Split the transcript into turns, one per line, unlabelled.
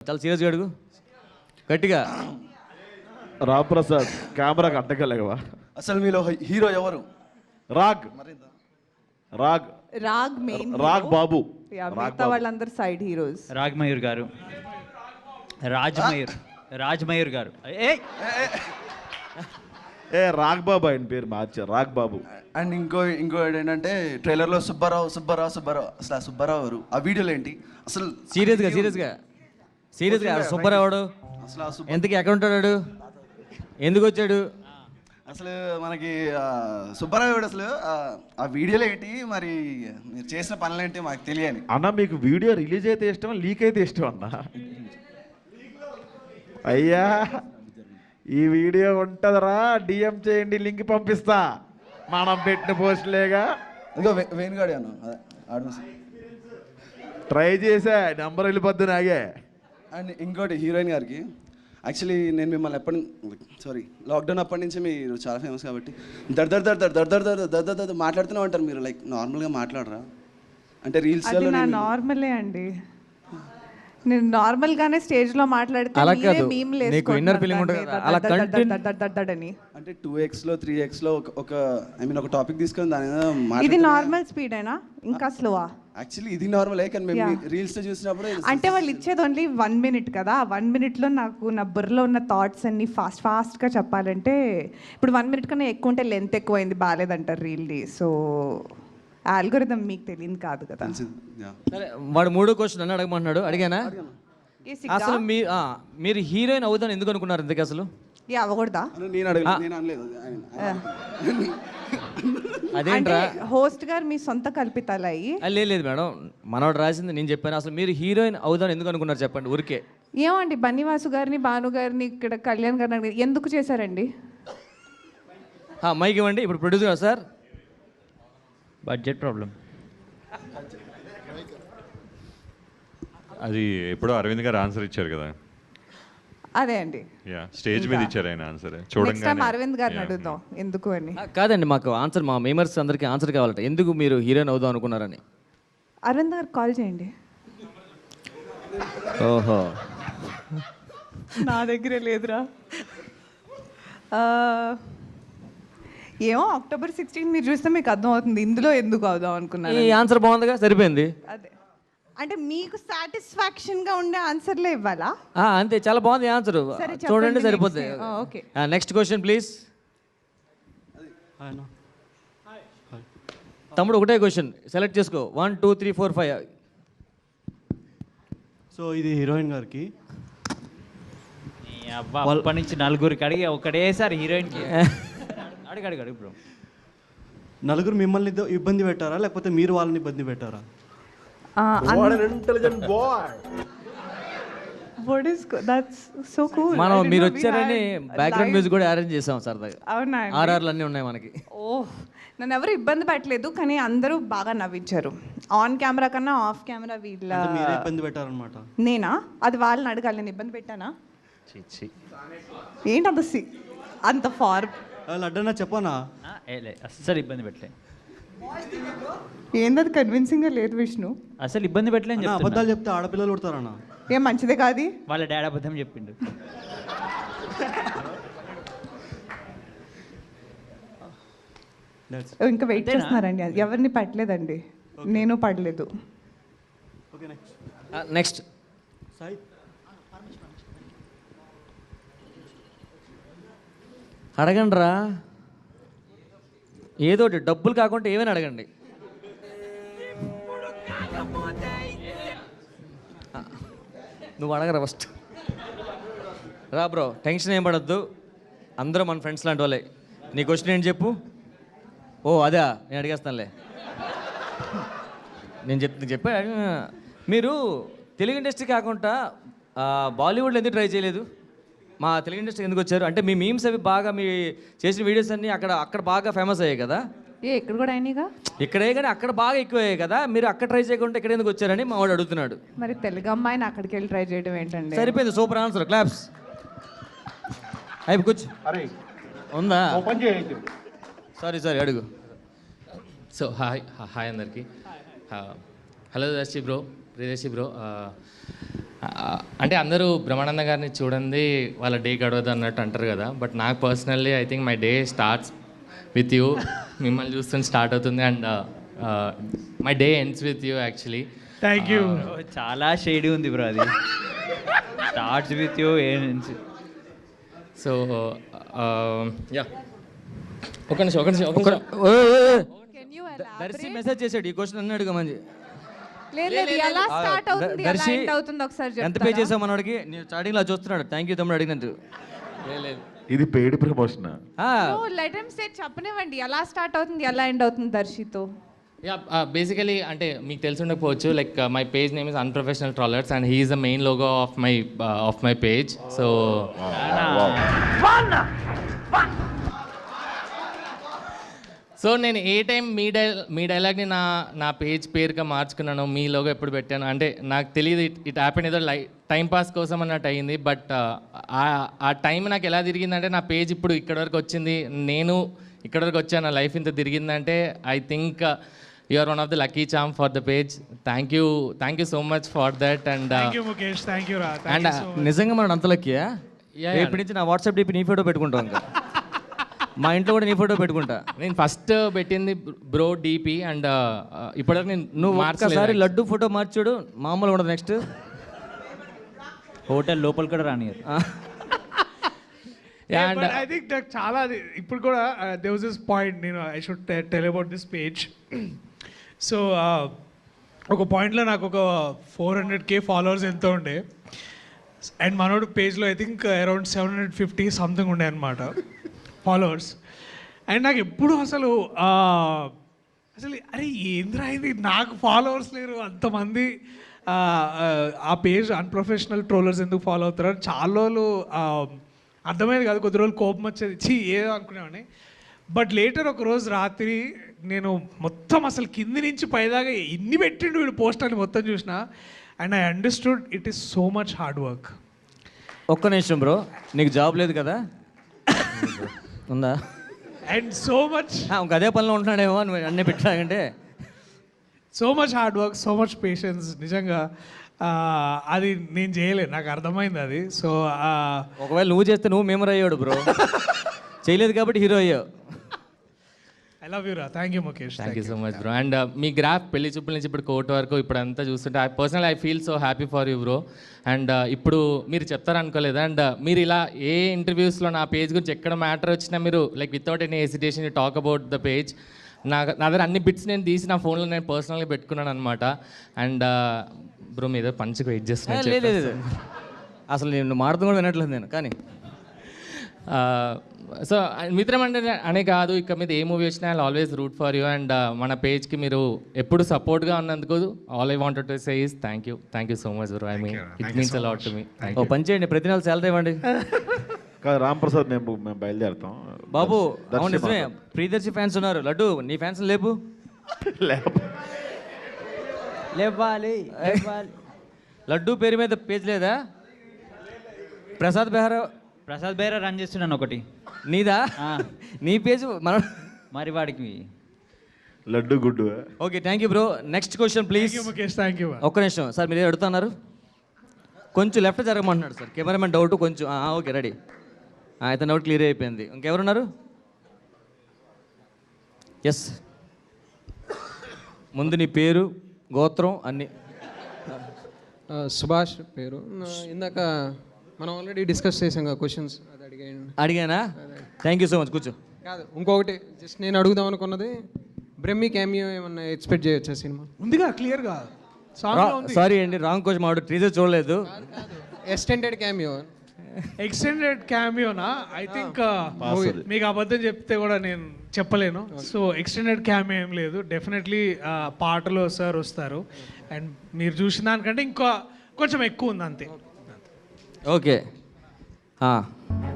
చాలా సీరియస్గా అడుగు గట్టిగా.
రాంప్రసాద్ కెమెరాకి అడ్డగలేవా?
అసలు మీలో హీరో ఎవరు?
రాగ్ రాగ్
రాగ్ మెయిన్
రాగ్ బాబు.
మిగతా వాళ్ళందరూ సైడ్ హీరోస్.
రాగ్ మయూర్ గారు, రాజ్ మయూర్ గారు.
ఏ రాగ్ బాబు ఆయన పేరు మార్చారు, రాగ్ బాబు.
అండ్ ఇంకోటి ఏంటంటే ట్రైలర్లో సుబ్బారావు అసలు ఆ సుబ్బారావు ఎవరు? ఆ వీడియోలో ఏంటి అసలు?
సీరియస్గా సుబ్బారావుడు
అసలు ఆ
ఎంతకి ఎక్కడ ఉంటాడు, ఎందుకు వచ్చాడు?
అసలు మనకి సుబ్బారావు ఎవడు అసలు? ఆ వీడియోలో ఏంటి మరి? మీరు చేసిన పనులు ఏంటి మాకు తెలియని.
అన్న మీకు వీడియో రిలీజ్ అయితే ఇష్టం, లీక్ అయితే ఇష్టం అన్న? అయ్యా ఈ వీడియో ఉంటుందిరా, డిఎం చేయండి, లింక్ పంపిస్తా. మనం పెట్టిన పోస్టులేగా.
ఇంకో వేణుగాడి అన్న ఆడు
ట్రై చేసా, నెంబర్ వెళ్ళిపోద్ది నాగే.
అండ్ ఇంకోటి హీరోయిన్ గారికి, యాక్చువల్లీ నేను మిమ్మల్ని లాక్డౌన్ అప్పటి నుంచి మీరు చాలా ఫేమస్ కాబట్టి దర్ మాట్లాడుతూనే ఉంటారు మీరు. లైక్ నార్మల్గా మాట్లాడరా అంటే రీల్స్?
నార్మలే అండి, నేను నార్మల్ గానే స్టేజ్ లో మాట్లాడితే
నీకు ఇన్నర్ ఫీలింగ్ ఉంటుంది అలా
అని.
అంటే 2x లో 3x లో ఒక ఒక టాపిక్ తీసుకొని దాని
ఇది నార్మల్ స్పీడ్ అయినా ఇంకా స్లోవా?
యాక్చువల్లీ ఇది నార్మల్ కానీ మేము రీల్స్ లో చూసినప్పుడు
అంటే వాళ్ళు ఇచ్చేది ఓన్లీ 1 minute కదా. 1 minute లో నాకు నా బుర్రలో ఉన్న థాట్స్ అన్ని ఫాస్ట్ గా చెప్పాలంటే ఇప్పుడు 1 minute కన్నా ఎక్కువ ఉంటే లెంత్ ఎక్కువైంది, బాగాలేదంటారు రీల్ది. సో ఆల్గోరిథం మీకు తెలియదు కాదు కదా.
సరే, వాడు 3వ క్వశ్చన్ నన్ను అడగమంటున్నాడు, అడిగానా? అసలు మీరు హీరోయిన్ అవుదాని ఎందుకు అనుకున్నారు ఇంతకీ అసలు?
అవ్వకూడదా?
అదేంట్రా
హోస్ట్ గారు మీ సొంత కల్పితాలయ్యి?
లేదు మేడం, మనోడు రాసింది నేను చెప్పాను. అసలు మీరు హీరోయిన్ అవుదాని ఎందుకు అనుకున్నారు చెప్పండి ఊరికే.
ఏమండి బన్నీవాసు గారిని, భాను గారిని, ఇక్కడ కళ్యాణ్ గారిని ఎందుకు చేశారండి?
మైక్ ఇవ్వండి. ఇప్పుడు ప్రొడ్యూసర్ సార్,
బడ్జెట్ ప్రాబ్లం.
అది ఎప్పుడో అరవింద్ గారు ఆన్సర్ ఇచ్చారు కదా.
అదే అండి,
స్టేజ్ మీద ఇచ్చారు ఆయన ఆన్సర్.
నెక్స్ట్ టైం అరవింద్ గారిని అడుగుదాం ఎందుకు అని.
కాదండి, మాకు ఆన్సర్, మా మెంబర్స్ అందరికి ఆన్సర్ కావాలంట ఎందుకు మీరు హీరోయిన్ అవుదాం అనుకున్నారని.
అరవింద్ గారు కాల్ చేయండి.
ఓహో,
నా దగ్గరే లేదురా. ఏమో October 16 మీరు చూస్తే మీకు అర్థం అవుతుంది ఇందులో ఎందుకు అవుదాం అనుకున్నారు.
ఈ ఆన్సర్ బాగుందిగా, సరిపోయింది.
అదే అంటే మీకు సాటిస్ఫాక్షన్ గా ఉండే ఆన్సర్లే ఇవ్వాలా?
అంతే, చాలా బాగుంది ఆన్సర్, చూడండి సరిపోతుంది.
Okay,
next question please. తమ్ముడు ఒకటే క్వశ్చన్ సెలెక్ట్ చేసుకో. 1 2 3 4 5.
సో ఇది హీరోయిన్ గారికి.
అప్పటి నుంచి నలుగురికి అడిగి ఒకటేసారి హీరోయిన్కి అడిగాడు బ్రో.
నలుగురు మిమ్మల్ని ఇబ్బంది పెట్టారా లేకపోతే మీరు వాళ్ళని ఇబ్బంది పెట్టారా?
మనం మీరు వచ్చారని బ్యాక్గ్రౌండ్ మ్యూజిక్ కూడా అరేంజ్ చేసాం సరదాగా.
అవునా?
ఆర్ఆర్లు అన్నీ ఉన్నాయి మనకి.
నన్ను ఎవరు ఇబ్బంది పెట్టలేదు, కానీ అందరూ బాగా నవ్వించారు. ఆన్ కెమెరా కన్నా ఆఫ్ కెమెరా వీళ్ళ
ఇబ్బంది పెట్టారనమాట.
నేనా? అది వాళ్ళని అడగాలి, నేను ఇబ్బంది పెట్టానా? ఏంటి అంత ఫార్మ్
లడ్డన్నా చెప్పనా?
అస్సలు ఇబ్బంది పెట్టలే.
ఏందది కన్విన్సింగ్గా లేదు విష్ణు.
అసలు ఇబ్బంది పెట్టలేని
అబద్ధాలు చెప్తే ఆడపిల్లలు కొడతారన్నా.
ఏం మంచిదే కాదు.
వాళ్ళ డాడీ అబద్ధం చెప్పిండు.
ఇంకా వెయిట్ చేస్తున్నారండి, ఎవరిని పట్టలేదండి, నేను పడలేదు.
నెక్స్ట్ అడగండి రా, ఏదో డబ్బులు కాకుండా ఏమైనా అడగండి. నువ్వు అడగరా ఫస్ట్. రా బ్రో, టెన్షన్ ఏం పడద్దు, అందరూ మన ఫ్రెండ్స్ లాంటి వాళ్ళే. నీ క్వశ్చన్ ఏంటి చెప్పు. అదా, నేను అడిగేస్తానులే. నేను చెప్పా. మీరు తెలుగు ఇండస్ట్రీ కాకుండా బాలీవుడ్లో ఎందుకు ట్రై చేయలేదు? మా తెలుగు ఇండస్ట్రీ ఎందుకు వచ్చారు? అంటే మీ మీమ్స్ అవి బాగా, మీ చేసిన వీడియోస్ అన్నీ అక్కడ బాగా ఫేమస్ అయ్యాయి కదా.
ఇక్కడ కూడా అయినాయిగా.
ఇక్కడే కానీ అక్కడ బాగా ఎక్కువ అయ్యాయి కదా. మీరు అక్కడ ట్రై చేయకుండా ఇక్కడ ఎందుకు వచ్చారని మా వాడు అడుగుతున్నాడు.
మరి తెలుగు అమ్మాయిని అక్కడికి వెళ్ళి ట్రై చేయడం ఏంటండి?
సరిపోయింది, సూపర్ ఆన్సర్, క్లాప్స్. అయిపో కూర్చో. ఉందా? సారీ అడుగు.
సో హాయ్ అందరికి. Hello Darshi bro, Priyadarshi bro. అంటే అందరూ బ్రహ్మానంద గారిని చూడండి వాళ్ళ డే గడవదు అన్నట్టు అంటారు కదా, బట్ నాకు personally I think my day starts with you. మిమ్మల్ని చూస్తుంటే స్టార్ట్ అవుతుంది and my day ends with you actually.
Thank you.
చాలా షేడీ ఉంది బ్రో అది. Starts with you.
So yeah, ఒక నిమిషం.
దర్శి మెసేజ్ చేశాడు ఈ క్వశ్చన్ అన్నాడుగా మంచి.
లేదు ఎలా స్టార్ట్ అవుతుంది ఎలా
దర్శి
ఎండ్ అవుతుంది ఒకసారి
ఎంత పే చేసావు మనోడికి? నేను స్టార్టింగ్ లో చూస్తున్నాడు. థ్యాంక్ యూ తమ్ముడు అడిగినందుకు.
ఇది paid promotion.
Let him say, చెప్పనివ్వండి ఎలా స్టార్ట్ అవుతుంది ఎలా ఎండ్ అవుతుంది దర్శితో.
యా, బేసికలీ అంటే మీకు తెలిసి ఉండకపోవచ్చు, like my page name is unprofessional trollers and he is the main logo of my page. So so నేను ఏ టైం మీ డైలాగ్ని నా పేజ్ పేరుగా మార్చుకున్నాను, మీ లోగో ఎప్పుడు పెట్టాను అంటే నాకు తెలియదు. ఇట్ హ్యాపెన్ ఏదో టైం పాస్ కోసం అన్నట్టు అయింది. బట్ ఆ టైం నాకు ఎలా తిరిగిందంటే నా పేజ్ ఇప్పుడు ఇక్కడ వరకు వచ్చింది, నేను ఇక్కడ వరకు వచ్చాను, నా లైఫ్ ఇంత తిరిగిందంటే I think you are one of the lucky charm for the page. Thank you so much for that. And
and నిజంగా మనం అంత లక్కీయా? రేపటి నుంచి నా వాట్సాప్ డిపి నీ ఫోటో పెట్టుకుంటాం. ఇంకా మా ఇంట్లో కూడా నీ ఫోటో పెట్టుకుంటా.
నేను ఫస్ట్ పెట్టింది బ్రో డిపి అండ్ ఇప్పటివరకు నేను
నువ్వు ఒక్కసారి లడ్డు ఫోటో మార్చాడు మామూలు ఉండదు. నెక్స్ట్
హోటల్ లోపల కూడా రానియరు.
ఐ థింక్ నాకు చాలా ఇప్పుడు కూడా దే వాజ్ దిస్ పాయింట్, నేను I should tell about this page. So ఒక పాయింట్లో నాకు ఒక 400K ఫాలోవర్స్ ఎంతో ఉండే, అండ్ మనోడు పేజ్లో ఐ థింక్ అరౌండ్ 750 సంథింగ్ ఉండే అనమాట ఫాలోవర్స్. అండ్ నాకు ఎప్పుడు అసలు అరే ఏంద్రా ఇది, నాకు ఫాలోవర్స్ లేరు అంతమంది, ఆ పేజ్ అన్ప్రొఫెషనల్ ట్రోలర్స్ ఎందుకు ఫాలో అవుతారు అని చాలా రోజులు అర్థమైంది కాదు. కొద్ది రోజులు కోపం వచ్చేది, ఏదో అనుకునేవాడిని. బట్ లేటర్ ఒక రోజు రాత్రి నేను మొత్తం అసలు కింది నుంచి పైదాకా ఎన్ని పెట్టిండు వీడు పోస్ట్ అని మొత్తం చూసిన, and I understood it is so much hard work.
ఒక్క నిమిషం బ్రో, నీకు జాబ్ లేదు కదా? ఉందా?
అండ్ సో మచ్
ఇంక అదే పనిలో ఉంటున్నాడేమో అని అన్నీ పెట్టాకంటే.
So much hard work, so much patience. నిజంగా అది నేను చేయలేదు, నాకు అర్థమైంది అది. సో
ఒకవేళ నువ్వు చేస్తే నువ్వు మెమరీ అయ్యాడు బ్రో. చేయలేదు కాబట్టి హీరో అయ్యావు.
ఐ లవ్ యూ రా. Thank you Mukesh.
Thank you so much bro. And మీ గ్రాఫ్ పెళ్లి చూపుల నుంచి ఇప్పుడు కోర్టు వరకు ఇప్పుడు అంతా చూస్తుంటే I feel so happy for you bro. And ఇప్పుడు మీరు చెప్తారనుకోలేదు, అండ్ మీరు ఇలా ఏ ఇంటర్వ్యూస్లో నా పేజ్ గురించి ఎక్కడ మ్యాటర్ వచ్చినా మీరు like without any hesitation you talk about the page. నా దగ్గర అన్ని బిట్స్ నేను తీసి నా ఫోన్లో నేను పర్సనల్గా పెట్టుకున్నాను అనమాట. అండ్ బ్రో మీద పంచుకు వెయిట్ చేస్తున్నాను.
లేదు అసలు నేను మాట్లాడుతూ కూడా వినట్లేదు నేను. కానీ
సో మిత్రం అంటే అనే కాదు, ఇక మీద ఏ మూవీ వచ్చినా I always root for you. And మన పేజ్కి మీరు ఎప్పుడు సపోర్ట్గా ఉన్నందుకు all I wanted to say is thank you so much bro. I mean it means a lot to me.
ఓ పని చేయండి, ప్రతి నెల శాలరీ ఇవ్వండి.
కాదు రాంప్రసాద్, మేము బయలుదేరుతాం
బాబు. అవును నిజమే, ప్రియదర్శి ఫ్యాన్స్ ఉన్నారు. లడ్డు నీ ఫ్యాన్స్ లేపు.
లేవాలి.
లడ్డు పేరు మీద పేజ్ లేదా? ప్రసాద్ బెహరా
రన్ చేస్తున్నాను ఒకటి.
నీదా? నీ పేజ్ మన
మరి వాడికి
లడ్డు గుడ్డు.
Okay thank you bro. Next question please.
Mukesh thank you.
ఒక్క నిమిషం సార్, మీరు అడుగుతున్నారు కొంచెం లెఫ్ట్ జరగమంటున్నాడు సార్ కెమెరామెన్. డౌట్ కొంచెం ఓకే రెడీ. అయితే డౌట్ క్లియర్ అయిపోయింది. ఇంకెవరున్నారు? ఎస్, ముందు నీ పేరు గోత్రం అన్నీ.
సుభాష్ పేరు. ఇందాక మనం ఆల్రెడీ డిస్కస్ చేసాం కదా క్వశ్చన్స్, అది
అడిగానా? Thank you so much. కూర్చో.
కాదు ఇంకొకటి జస్ట్ నేను అడుగుదాం అనుకున్నది, బ్రహ్మి క్యామియో ఏమన్నా ఎక్స్పెక్ట్ చేయొచ్చా సినిమా?
ఉందిగా క్లియర్గా.
సారీ అండి, రాంగ్ క్వశ్చన్. మాడు టీజర్ చూడలేదు.
Extended cameo.
ఎక్స్టెండెడ్ క్యామియోనా? ఐ థింక్ మీకు అబద్ధం చెప్తే కూడా నేను చెప్పలేను. సో ఎక్స్టెండెడ్ క్యామియో ఏం లేదు. డెఫినెట్లీ పాటలో సార్ వస్తారు, అండ్ మీరు చూసిన దానికంటే ఇంకా కొంచెం ఎక్కువ ఉంది అంతే.
ఓకే